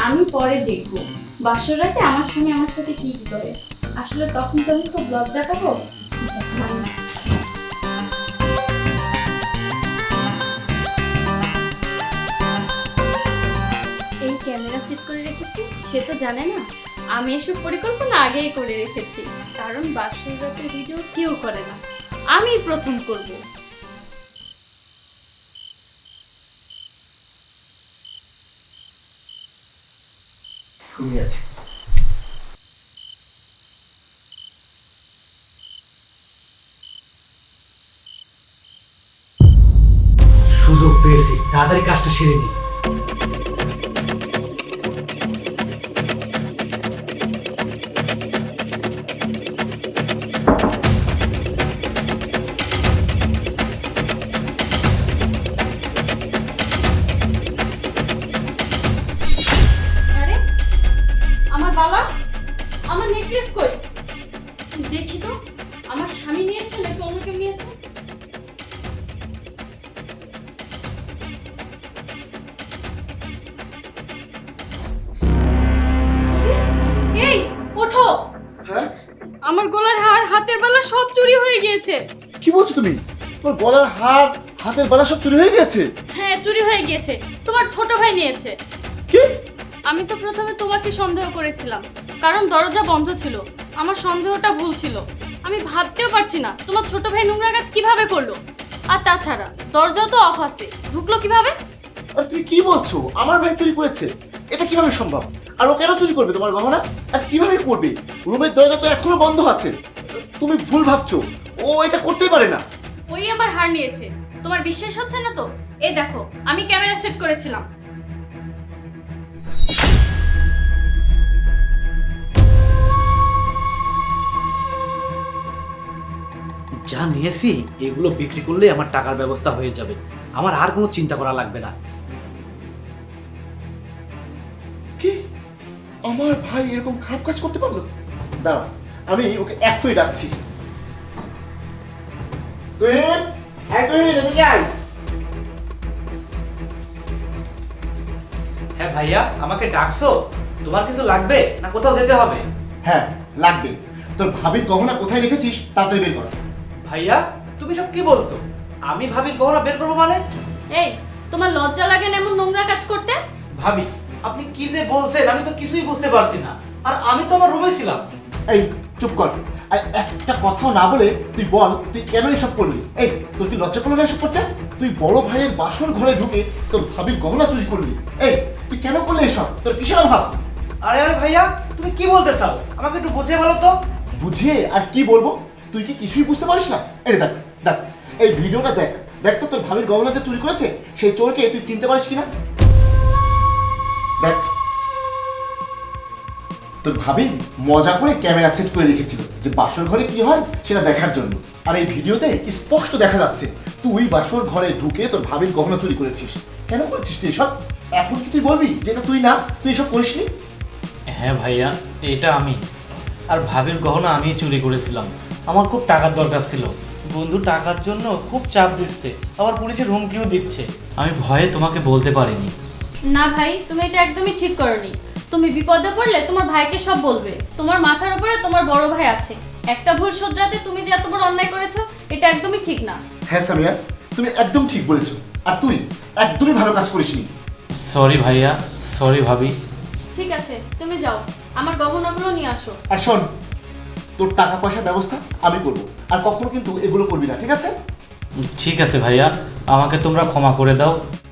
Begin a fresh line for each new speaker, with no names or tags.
আমি পরে দেখবো বাসর রাতে আমার স্বামী আমার সাথে কি কি করে। আসলে তখন তো আমি খুব লজ্জা পাবো। এই ক্যামেরা সেট করে রেখেছি, সে তো জানে না আমি এসব পরিকল্পনা আগেই করে রেখেছি। কারণ বাসর রাতের ভিডিও কেউ করে না, আমি প্রথম করব।
ঘুমিয়ে আছে। সুযোগ পেয়েছি, তাড়াতাড়ি কাজটা সেরে নিই।
আরে আমার বালা, আমার নেকলেস কই? দেখি তো, আমার স্বামী নিয়েছে নাকি অন্য কেউ নিয়েছে? এই ওঠো,
হ্যাঁ,
আমার গলার হার, হাতের বালা সব চুরি হয়ে গিয়েছে।
কি বলছো তুমি? তোমার গলার হার, হাতের বালা সব চুরি হয়ে গেছে?
হ্যাঁ, চুরি হয়ে গিয়েছে, তোমার ছোট ভাই নিয়েছে।
কি?
আমি তো প্রথমে তোমাকে সন্দেহ করেছিলাম, কারণ দরজা বন্ধ ছিল। আমার সন্দেহটা ভুল ছিল। আমি ভাবতেও পারছি না তোমার ছোট ভাই নোংরা কাজ কিভাবে করলো। আর তাছাড়া দরজা তো অফ আছে, ঢুকলো কিভাবে?
আর তুমি কি বলছো? আমার ভাই চুরি করেছে? এটা কিভাবে সম্ভব? আর ও কেন চুরি করবে তোমার গহনা? আর কিভাবে করবে? রুমের দরজা তো এখনো বন্ধ আছে। তুমি ভুল ভাবছো, ও এটা করতেই পারে না।
ওই আমার হার নিয়েছে। তোমার বিশ্বাস হচ্ছে না তো? এই দেখো, আমি ক্যামেরা সেট করেছিলাম।
যা নিয়েছি এগুলো বিক্রি করলে আমার টাকার ব্যবস্থা হয়ে যাবে, আমার আর কোনো চিন্তা করা লাগবে না।
কি? আমার ভাই এরকম খারাপ কাজ করতে পারলো? দাঁড়া, আমি ওকে এখনই ডাকছি। তুহিন, তুহিন, এদিকে আয়।
হ্যাঁ ভাইয়া, আমাকে ডাকছো? তোমার কিছু লাগবে না কোথাও যেতে হবে?
হ্যাঁ, লাগবে। তোর ভাবির গহনা কোথায় রেখেছিস তাড়াতাড়ি বের কর।
ভাইয়া, তুমি সব কি বলছো? আমি ভাবির গহনা বের করবো মানে?
এই, তোমার লজ্জা লাগে না এমন নোংরা কাজ করতে?
ভাবি, আপনি কি যে বলছেন আমি তো কিছুই বুঝতে পারছি না। আর আমি তো আমার রুমে ছিলাম।
এই চুপ কর। আর একটা কথাও না বলে তুই বল, তুই কেন এসব করলি? এই, তোর কি লজ্জা করলো না এসব করতে? তুই বড় ভাইয়ের বাসর ঘরে ঢুকে তোর ভাবির গহনা চুরি করলি। এই, তুই কেন করলি এসব? তোর কিসের অভাব?
আরে আরে ভাইয়া, তুমি কি বলতে চাও? আমাকে একটু বুঝিয়ে বলো তো।
বুঝিয়ে আর কি বলবো? তুই কি কিছুই বুঝতে পারিস না? এই দেখ, দেখ, এই ভিডিওটা দেখ। দেখ তো তোর ভাবির গহনা যে চুরি করেছে সেই চোরকে তুই চিনতে পারিস কিনা। দেখ, তোর ভাবি মজা করে ক্যামেরা সেট করে রেখেছিল যে বাসর ঘরে কি হয় সেটা দেখার জন্য। আর এই ভিডিওতে স্পষ্ট দেখা যাচ্ছে তুই বাসর ঘরে ঢুকে তোর ভাবির গহনা চুরি করেছিস। কেন করেছিস তুই এসব? এখন কি তুই বলবি যে এটা তুই না, তুই এসব করিসনি?
হ্যাঁ ভাইয়া, এটা আমি। আর ভাবির গহনা আমি চুরি করেছিলাম। আমার খুব টাকার দরকার ছিল। বন্ধু টাকার জন্য খুব চাপ দিচ্ছে, আবার পুলিশের হুমকিও দিচ্ছে। আমি ভয়ে তোমাকে বলতে পারিনি।
না ভাই, তুমি এটা একদমই ঠিক করনি। তুমি বিপদে পড়লে তোমার ভাইকে সব বলবে। তোমার মাথার উপরে তোমার বড় ভাই আছে। একটা ভুল শুধরাতে তুমি যে এত বড় অন্যায় করেছো, এটা একদমই ঠিক না।
হ্যাঁ সামিয়া, তুমি একদম ঠিক বলেছো। আর তুই একদমই ভালো কাজ করিসনি।
সরি ভাইয়া, সরি ভাবি।
ঠিক আছে, তুমি যাও, আমার গহনাগুলো নিয়ে আসো।
আর শোন, তোর টাকা পয়সার ব্যবস্থা আমি করবো। আর কখনো কিন্তু এগুলো করবি না, ঠিক আছে?
ঠিক আছে ভাইয়া, আমাকে তোমরা ক্ষমা করে দাও।